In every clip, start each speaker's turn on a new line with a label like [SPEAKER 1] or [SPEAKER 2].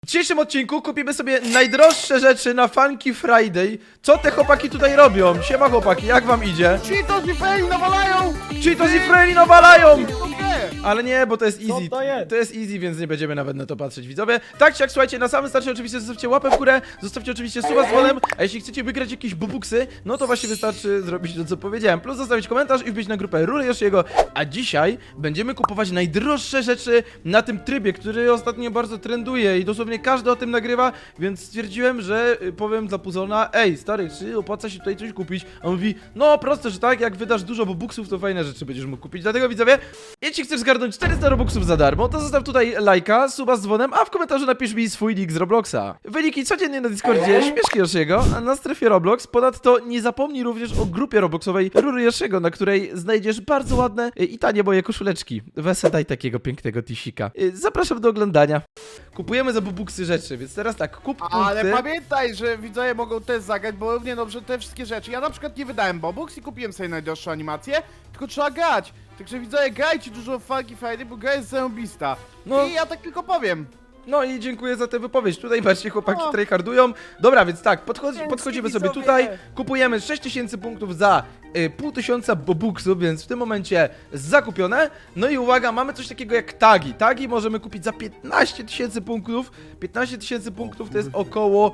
[SPEAKER 1] W dzisiejszym odcinku kupimy sobie najdroższe rzeczy na Funky Friday. Co te chłopaki tutaj robią? Siema chłopaki, jak wam idzie?
[SPEAKER 2] Cheetos i Freli nawalają!
[SPEAKER 1] Cheetos i Freli nawalają!
[SPEAKER 2] Nie!
[SPEAKER 1] Ale nie, bo to jest easy. To jest easy, więc nie będziemy nawet na to patrzeć, widzowie. Tak czy jak, słuchajcie, na samym starcie oczywiście zostawcie łapę w górę, zostawcie oczywiście suba z dzwonem, a jeśli chcecie wygrać jakieś bubuksy, no to właśnie wystarczy zrobić to, co powiedziałem. Plus zostawić komentarz i wbić na grupę Rury Yoshiego. A dzisiaj będziemy kupować najdroższe rzeczy na tym trybie, który ostatnio bardzo trenduje i dosłownie każdy o tym nagrywa, więc stwierdziłem, że powiem dla Puzona: ej, stary, czy opłaca się tutaj coś kupić? A on mówi: no proste, że tak, jak wydasz dużo bubuksów, to fajne rzeczy będziesz mógł kupić. Dlatego, widzowie, jeśli chcesz zgarnąć 400 robuxów za darmo, to zostaw tutaj lajka, suba z dzwonem, a w komentarzu napisz mi swój nick z Robloxa. Wyniki codziennie na Discordzie Śmieszki Yoshiego, a na strefie Roblox. Ponadto nie zapomnij również o grupie Robloxowej Rury Yoshiego, na której znajdziesz bardzo ładne i tanie moje koszuleczki. Wese, daj takiego pięknego tisika. Zapraszam do oglądania. Kupujemy za bubuksy rzeczy, więc teraz tak, kup punkty.
[SPEAKER 2] Ale pamiętaj, że widzowie mogą też zagrać, bo równie dobrze te wszystkie rzeczy. Ja na przykład nie wydałem Bobux i kupiłem sobie najdroższą animację, tylko trzeba grać. Także widzowie, grajcie dużo w Funky Friday, bo gra jest zarąbista.
[SPEAKER 1] No.
[SPEAKER 2] I ja tak tylko powiem.
[SPEAKER 1] No i dziękuję za tę wypowiedź. Tutaj patrzcie, chłopaki tryhardują. Dobra, więc tak, podchodzimy sobie tutaj. Kupujemy 6000 punktów za 1500 bobuksów, więc w tym momencie zakupione. No i uwaga, mamy coś takiego jak tagi. Tagi możemy kupić za 15 000 punktów. 15 000 punktów to jest około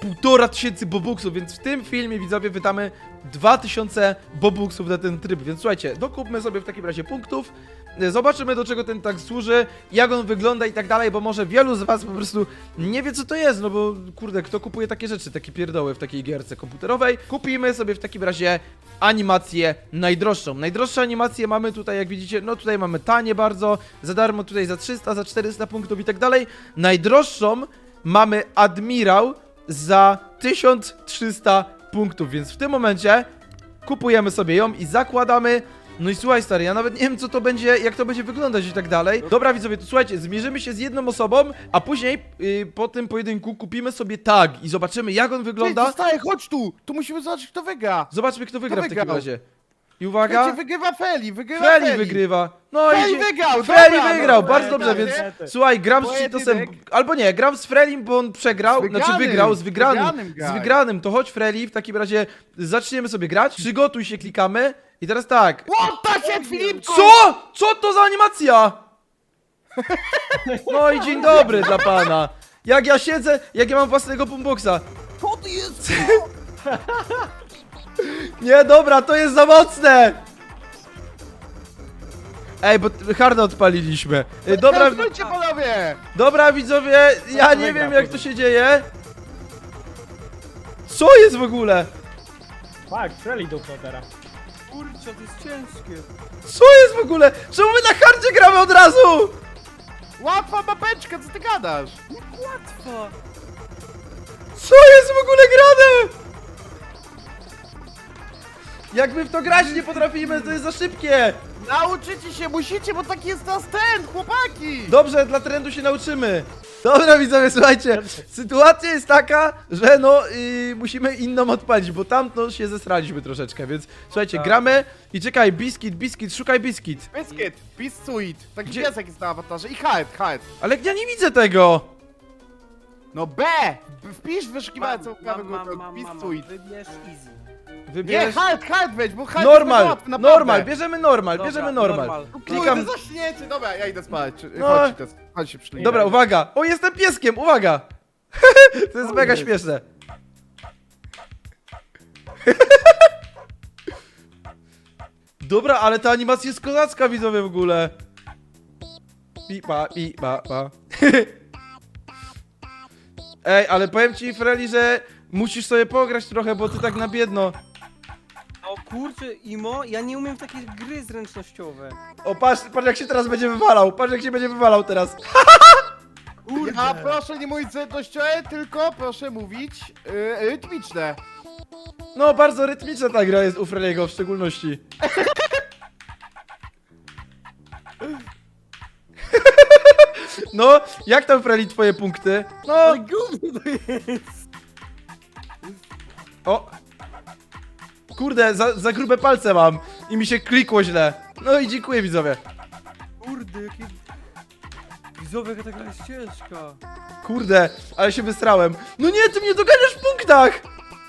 [SPEAKER 1] 1500 bobuksów, więc w tym filmie, widzowie, wydamy 2000 bobuksów na ten tryb. Więc słuchajcie, dokupmy sobie w takim razie punktów. Zobaczymy, do czego ten tag służy, jak on wygląda i tak dalej, bo może wielu z was po prostu nie wie, co to jest, no bo kurde, kto kupuje takie rzeczy, takie pierdoły w takiej gierce komputerowej. Kupimy sobie w takim razie animację najdroższą. Najdroższe animacje mamy tutaj, jak widzicie, no tutaj mamy tanie bardzo, za darmo tutaj za 300, za 400 punktów i tak dalej. Najdroższą mamy Admirał za 1300 punktów, więc w tym momencie kupujemy sobie ją i zakładamy. No i słuchaj, stary, ja nawet nie wiem, co to będzie, jak to będzie wyglądać i tak dalej. Dobra, widzowie, to słuchajcie, zmierzymy się z jedną osobą, a później po tym pojedynku kupimy sobie tag i zobaczymy, jak on wygląda.
[SPEAKER 2] Zostaje, chodź tu! Tu musimy zobaczyć, kto wygra.
[SPEAKER 1] Zobaczmy, kto wygra w takim
[SPEAKER 2] wygrał?
[SPEAKER 1] razie. I uwaga,
[SPEAKER 2] Słuchajcie, wygrywa Feli,
[SPEAKER 1] Freli wygrywa. No
[SPEAKER 2] Freli
[SPEAKER 1] i
[SPEAKER 2] wygrał,
[SPEAKER 1] Freli
[SPEAKER 2] dobra,
[SPEAKER 1] wygrał,
[SPEAKER 2] dobra,
[SPEAKER 1] bardzo dobrze,
[SPEAKER 2] dobra,
[SPEAKER 1] więc
[SPEAKER 2] nie?
[SPEAKER 1] słuchaj, gram z Cheetosem,
[SPEAKER 2] Pojedynek.
[SPEAKER 1] albo nie, gram z Frelim, bo on przegrał, znaczy wygrał, z wygranym,
[SPEAKER 2] graj.
[SPEAKER 1] z wygranym, to chodź Freli, w takim razie zaczniemy sobie grać, przygotuj się, klikamy i teraz tak.
[SPEAKER 2] Łota się, Filipku!
[SPEAKER 1] Co? Co to za animacja? No i dzień dobry dla pana. Jak ja siedzę, jak ja mam własnego boomboxa.
[SPEAKER 2] Co to jest?
[SPEAKER 1] Nie, dobra, to jest za mocne. Ej, bo harda odpaliliśmy. Dobra,
[SPEAKER 2] Wróćcie, panowie!
[SPEAKER 1] dobra widzowie, ja nie wiem jak to się dzieje. Co jest w ogóle?
[SPEAKER 3] Tak, Freli dupno teraz.
[SPEAKER 2] Kurczę, to jest ciężkie.
[SPEAKER 1] Co jest w ogóle? Czemu my na hardzie gramy od razu?
[SPEAKER 2] Łatwa mapeczka, co ty gadasz?
[SPEAKER 4] Łatwo!
[SPEAKER 1] Co jest w ogóle grane? Jak my w to grać nie potrafimy, to jest za szybkie.
[SPEAKER 2] Nauczycie się, musicie, bo taki jest nas ten, chłopaki!
[SPEAKER 1] Dobrze, dla trendu się nauczymy. Dobra, widzowie, słuchajcie, sytuacja jest taka, że no musimy inną odpalić, bo tamto się zesraliśmy troszeczkę, więc słuchajcie, gramy i czekaj, biskit, szukaj biskit.
[SPEAKER 2] Biscuit, Biscuit, taki
[SPEAKER 1] Gdzie?
[SPEAKER 2] piesek jest na awatarze i Hyde.
[SPEAKER 1] Ale ja nie widzę tego.
[SPEAKER 2] No B! Wpisz w wyszukiwarce prawy górę, Biscuit.
[SPEAKER 4] Wybierz easy.
[SPEAKER 2] Nie,
[SPEAKER 1] Wybierz
[SPEAKER 2] Hyde weź, bo Hyde
[SPEAKER 1] normal,
[SPEAKER 2] jest łatwy, naprawdę.
[SPEAKER 1] normal, bierzemy normal,
[SPEAKER 4] Dobra,
[SPEAKER 1] bierzemy normal.
[SPEAKER 4] normal.
[SPEAKER 1] Klikam.
[SPEAKER 2] Kurde, zaśniecie, dobra, ja idę spać.
[SPEAKER 1] No.
[SPEAKER 2] Chodź się przyjmij.
[SPEAKER 1] Dobra, uwaga. O, jestem pieskiem, uwaga. To jest mega śmieszne. Dobra, ale ta animacja jest kozacka, widzowie, w ogóle. Pipa. Ej, ale powiem ci, Freli, że musisz sobie pograć trochę, bo ty tak na biedno.
[SPEAKER 4] O kurczę, Imo, ja nie umiem w takie gry zręcznościowe.
[SPEAKER 1] O, patrz jak się teraz będzie wywalał. Patrz jak się będzie wywalał teraz.
[SPEAKER 2] Ja proszę nie mówić zręcznościowe, tylko proszę mówić rytmiczne.
[SPEAKER 1] No, bardzo rytmiczna ta gra jest u Freliego w szczególności. No, jak tam, Freli, twoje punkty? No,
[SPEAKER 4] Ale gówno to jest!
[SPEAKER 1] o. Kurde, za grube palce mam i mi się klikło źle. No i dziękuję, widzowie.
[SPEAKER 4] Kurde, jakie Widzowie, jaka ta gra jest ciężka.
[SPEAKER 1] Kurde, ale się wystrałem. No nie, ty mnie doganiasz w punktach!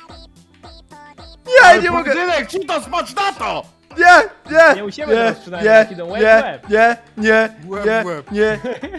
[SPEAKER 1] Nie, nie mogę!
[SPEAKER 2] Pojedynek, ci to smacz na to!
[SPEAKER 1] Nie!
[SPEAKER 3] Nie musimy teraz przynajmniej, jak idą łeb w łeb.
[SPEAKER 2] Łeb
[SPEAKER 1] nie,
[SPEAKER 2] w łeb.
[SPEAKER 1] nie.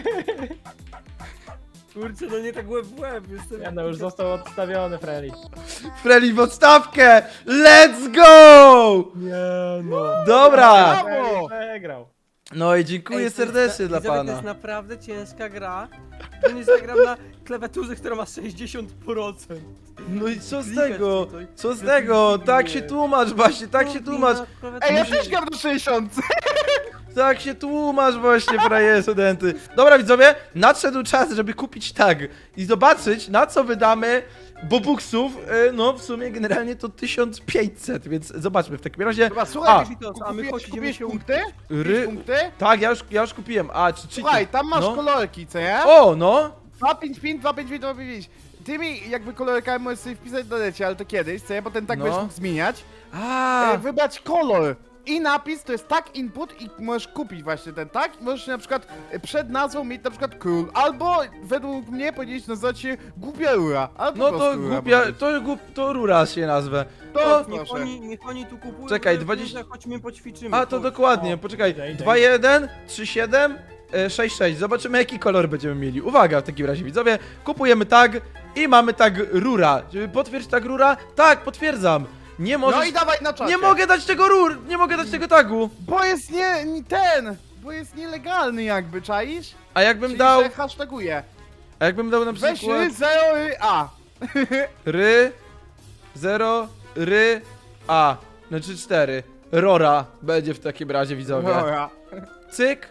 [SPEAKER 4] Kurczę, no nie tak łeb w łeb. Jestem...
[SPEAKER 3] Ja no już został odstawiony, Freli.
[SPEAKER 1] Freli w odstawkę! Let's go!
[SPEAKER 3] Nie no.
[SPEAKER 1] Dobra!
[SPEAKER 2] Brawo!
[SPEAKER 3] Przegrał.
[SPEAKER 1] No i dziękuję
[SPEAKER 4] Ej, to jest
[SPEAKER 1] serdecznie dla
[SPEAKER 4] widzowie, To
[SPEAKER 1] pana.
[SPEAKER 4] jest naprawdę ciężka gra. To nie zagram na klawiaturze, która ma 60%.
[SPEAKER 1] No i co z
[SPEAKER 4] Klikać
[SPEAKER 1] tego?
[SPEAKER 4] tutaj.
[SPEAKER 1] Co z
[SPEAKER 4] Ja
[SPEAKER 1] tego?
[SPEAKER 4] tu
[SPEAKER 1] Tak
[SPEAKER 4] nie.
[SPEAKER 1] się tłumacz właśnie, tak się tłumacz.
[SPEAKER 2] Ej, ja też gram do 60!
[SPEAKER 1] Tak się tłumacz właśnie, fraje studenty. Dobra widzowie, nadszedł czas, żeby kupić tag i zobaczyć, na co wydamy bobuksów. No w sumie generalnie to 1500, więc zobaczmy w takim razie.
[SPEAKER 2] Chyba, słuchaj,
[SPEAKER 4] a my
[SPEAKER 2] kupiłeś
[SPEAKER 4] chodzimy się
[SPEAKER 2] punkty?
[SPEAKER 1] Ry...
[SPEAKER 2] Punkty?
[SPEAKER 1] Tak, ja już kupiłem. A, czy
[SPEAKER 2] Słuchaj, tam masz
[SPEAKER 1] no.
[SPEAKER 2] kolorki, co nie?
[SPEAKER 1] O, no!
[SPEAKER 2] 255, 255, 255. Tymi jakby kolorkami możesz sobie wpisać do lecie, ale to kiedyś, co nie? Bo ten tak
[SPEAKER 1] No.
[SPEAKER 2] będziesz mógł zmieniać.
[SPEAKER 1] A,
[SPEAKER 2] Wybrać kolor. I napis to jest tag input i możesz kupić właśnie ten tag i możesz na przykład przed nazwą mieć na przykład król, albo według mnie powinieneś nazywać się Gubielura, albo
[SPEAKER 1] no
[SPEAKER 2] po
[SPEAKER 1] to
[SPEAKER 2] prostu Rura
[SPEAKER 1] głupia,
[SPEAKER 2] może być.
[SPEAKER 1] to rura się nazwę.
[SPEAKER 2] To
[SPEAKER 4] Niech
[SPEAKER 2] proszę.
[SPEAKER 4] oni tu kupują.
[SPEAKER 1] Czekaj,
[SPEAKER 4] że
[SPEAKER 1] 20
[SPEAKER 4] chodźmy poćwiczymy.
[SPEAKER 1] A, to
[SPEAKER 4] chodź.
[SPEAKER 1] dokładnie,
[SPEAKER 3] O,
[SPEAKER 1] poczekaj.
[SPEAKER 3] idę.
[SPEAKER 1] 2-1, 3-7, 6-6. Zobaczymy jaki kolor będziemy mieli. Uwaga, w takim razie widzowie, kupujemy tag i mamy tag rura. Potwierdź tag rura? Tak, potwierdzam. Nie możesz...
[SPEAKER 2] No i dawaj na czacie.
[SPEAKER 1] Nie mogę dać tego nie mogę dać tego tagu.
[SPEAKER 2] Bo jest bo jest nielegalny jakby, czaisz?
[SPEAKER 1] A jakbym
[SPEAKER 2] Czyli
[SPEAKER 1] dał,
[SPEAKER 2] że hashtaguje.
[SPEAKER 1] a jakbym dał na
[SPEAKER 2] Weź
[SPEAKER 1] przykład
[SPEAKER 2] a.
[SPEAKER 1] ry, 0, ry, a, znaczy 4. Rora będzie w takim razie widzowie.
[SPEAKER 2] Dobra.
[SPEAKER 1] Cyk.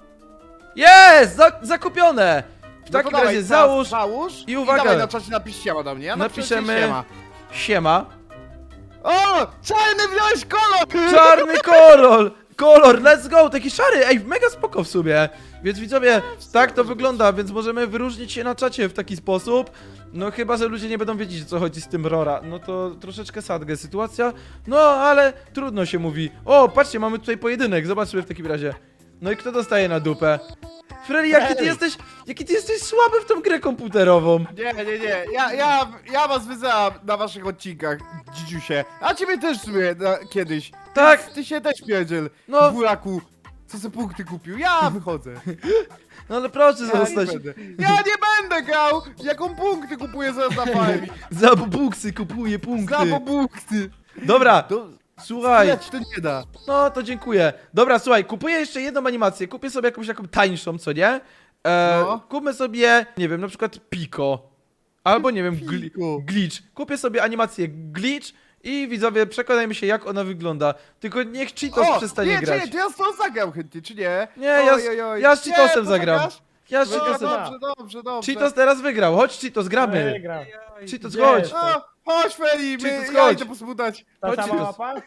[SPEAKER 1] Jest! Zakupione! W
[SPEAKER 2] No
[SPEAKER 1] takim
[SPEAKER 2] to dawaj,
[SPEAKER 1] razie
[SPEAKER 2] teraz
[SPEAKER 1] załóż
[SPEAKER 2] i
[SPEAKER 1] uwaga.
[SPEAKER 2] dawaj na czacie napisz siema do mnie. Ja napiszę
[SPEAKER 1] Napiszemy-
[SPEAKER 2] siema.
[SPEAKER 1] Siema.
[SPEAKER 2] O! Czarny wziąłeś kolor!
[SPEAKER 1] Czarny kolor, let's go, taki szary, ej, mega spoko w sumie. Więc widzowie, tak to wygląda, więc możemy wyróżnić się na czacie w taki sposób. No chyba, że ludzie nie będą wiedzieć, o co chodzi z tym Rora. No to troszeczkę sadge sytuacja. No, ale trudno się mówi. O, patrzcie, mamy tutaj pojedynek, zobaczmy w takim razie. No i kto dostaje na dupę? Freddy, jaki ty jesteś słaby w tą grę komputerową.
[SPEAKER 2] Nie. Ja was wyzywam na waszych odcinkach, dzidziusie. A ciebie też w sumie kiedyś.
[SPEAKER 1] Tak.
[SPEAKER 2] Ty się też pierdziel,
[SPEAKER 1] No.
[SPEAKER 2] buraku. Co se punkty kupił? Ja wychodzę.
[SPEAKER 1] No ale proszę
[SPEAKER 2] Ja nie
[SPEAKER 1] zostać.
[SPEAKER 2] będę. Ja nie będę grał! Jaką punkty kupuję zaraz na farmie?
[SPEAKER 1] Za buksy kupuję punkty.
[SPEAKER 2] Za punkty.
[SPEAKER 1] Dobra, słuchaj.
[SPEAKER 2] Ja ci to nie da.
[SPEAKER 1] No to dziękuję. Dobra, słuchaj, kupuję jeszcze jedną animację. Kupię sobie jakąś taką tańszą, co nie?
[SPEAKER 2] No.
[SPEAKER 1] Kupmy sobie, nie wiem, na przykład Pico. Albo nie wiem,
[SPEAKER 2] Pico.
[SPEAKER 1] Glitch. Kupię sobie animację Glitch i widzowie, przekonajmy się jak ona wygląda. Tylko niech Cheetos przestanie
[SPEAKER 2] nie,
[SPEAKER 1] grać.
[SPEAKER 2] Czekaj, to ja z tą zagram chętnie, czy nie?
[SPEAKER 1] Nie,
[SPEAKER 2] Oj.
[SPEAKER 1] ja z Cheetosem
[SPEAKER 2] Nie,
[SPEAKER 1] zagram.
[SPEAKER 2] poczekasz?
[SPEAKER 1] Ja z
[SPEAKER 2] No,
[SPEAKER 1] Cheetosem.
[SPEAKER 2] dobrze.
[SPEAKER 1] Cheetos teraz wygrał. Chodź Cheetos, gramy.
[SPEAKER 3] Przegrał.
[SPEAKER 1] Cheetos,
[SPEAKER 3] Gdzie
[SPEAKER 1] chodź.
[SPEAKER 3] jest?
[SPEAKER 2] O, chodź Feli,
[SPEAKER 1] Cheetos,
[SPEAKER 2] ja
[SPEAKER 1] chodź.
[SPEAKER 2] idę posmutać.
[SPEAKER 3] Ta
[SPEAKER 1] Chodź,
[SPEAKER 3] sama
[SPEAKER 1] Cheetos.
[SPEAKER 3] mapa?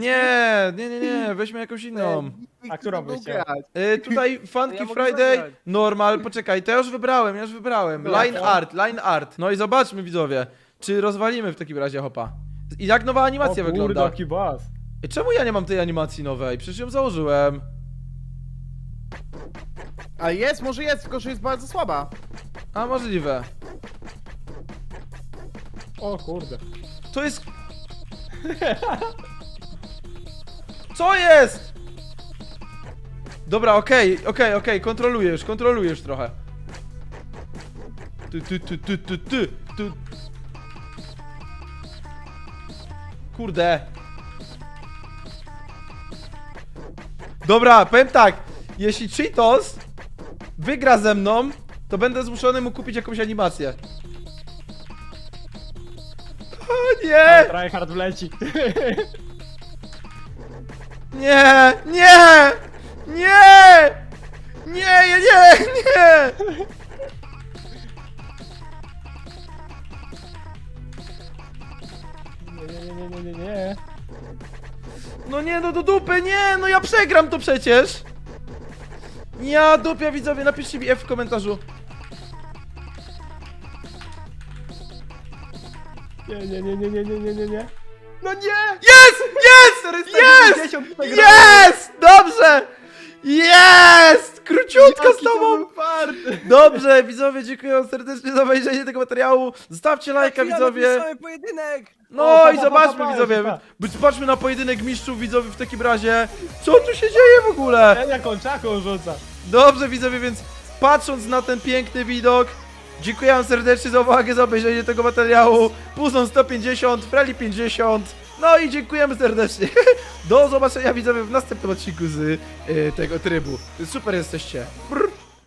[SPEAKER 1] Nie, weźmy jakąś inną.
[SPEAKER 3] A którą byś chciał?
[SPEAKER 1] Tutaj Funky
[SPEAKER 4] Ja mogę
[SPEAKER 1] Friday,
[SPEAKER 4] zagrać.
[SPEAKER 1] normal, poczekaj, to ja już wybrałem.
[SPEAKER 3] Dobra,
[SPEAKER 1] Line art. No i zobaczmy widzowie, czy rozwalimy w takim razie hopa. I jak nowa animacja
[SPEAKER 3] O kurde,
[SPEAKER 1] wygląda?
[SPEAKER 3] jaki boss.
[SPEAKER 1] Czemu ja nie mam tej animacji nowej? Przecież ją założyłem.
[SPEAKER 2] A jest, może jest, tylko że jest bardzo słaba.
[SPEAKER 1] A możliwe.
[SPEAKER 3] O kurde.
[SPEAKER 1] To jest... Co jest? Dobra, okej, kontroluję już trochę. Ty. Kurde. Dobra, powiem tak. Jeśli Cheetos wygra ze mną, to będę zmuszony mu kupić jakąś animację. O nie!
[SPEAKER 3] Tryhard wleci.
[SPEAKER 1] Nie!
[SPEAKER 3] Nie.
[SPEAKER 1] No nie, no do dupy, nie! No ja przegram to przecież! Ja dupia widzowie, napiszcie mi F w komentarzu.
[SPEAKER 3] Nie.
[SPEAKER 2] No nie!
[SPEAKER 1] Jest! Dobrze! Jest! Króciutka z
[SPEAKER 2] Jaki to
[SPEAKER 1] tobą!
[SPEAKER 2] był fart!
[SPEAKER 1] Dobrze, widzowie, dziękuję wam serdecznie za obejrzenie tego materiału. Zostawcie lajka, widzowie.
[SPEAKER 4] Mamy pojedynek!
[SPEAKER 1] No i
[SPEAKER 3] pa,
[SPEAKER 1] zobaczmy,
[SPEAKER 3] pa,
[SPEAKER 1] widzowie.
[SPEAKER 3] pa.
[SPEAKER 1] Zobaczmy na pojedynek mistrzów, widzowie, w takim razie. Co tu się dzieje w ogóle?
[SPEAKER 3] Ja kończaką rzuca.
[SPEAKER 1] Dobrze, widzowie, więc patrząc na ten piękny widok, dziękuję wam serdecznie za uwagę, za obejrzenie tego materiału. Puzon 150, Freli 50. No i dziękujemy serdecznie. Do zobaczenia, widzowie, w następnym odcinku z tego trybu. Super jesteście. Brr.